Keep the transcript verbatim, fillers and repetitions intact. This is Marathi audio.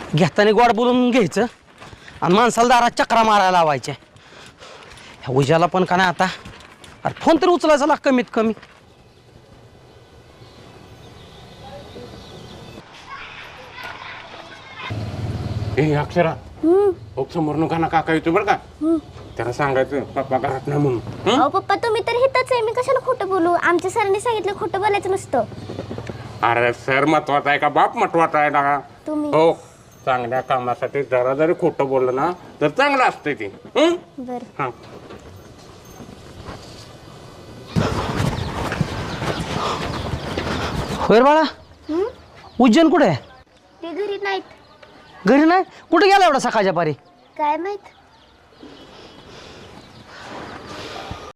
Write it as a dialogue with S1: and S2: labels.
S1: घेताना गोड बोलून घ्यायचं आणि माणसाला दारात चक्रा मारायला लावायच्या. ह्या उज्याला पण का नाही आता, अरे फोन तरी उचलायचा लाग कमीत कमी.
S2: ए अक्षरा, ओक समोर नका ना काका येतो बरं का. त्याला सांगायचं पप्पा घरात नाही म्हणून.
S3: अहो पप्पा तुम्ही तर हिताच आहे, मी कशाला खोटं बोलू? आमच्या सरांनी सांगितलं खोटं बोलायचं नसतं.
S2: अरे सर महत्वाचा आहे का बाप महत्वाचा आहे ना?
S3: तुम्ही
S2: हो, चांगल्या कामासाठी जरा जरी खोटं बोललं ना तर चांगलं असतंय ते. हं?
S3: बर.
S2: हा.
S1: होय रे बाळा, उज्जैन कुठे आहे?
S3: ते घरी नाहीत.
S1: घरी नाही? कुठे गेला एवढा सकाळच्या पारी?
S3: काय माहित.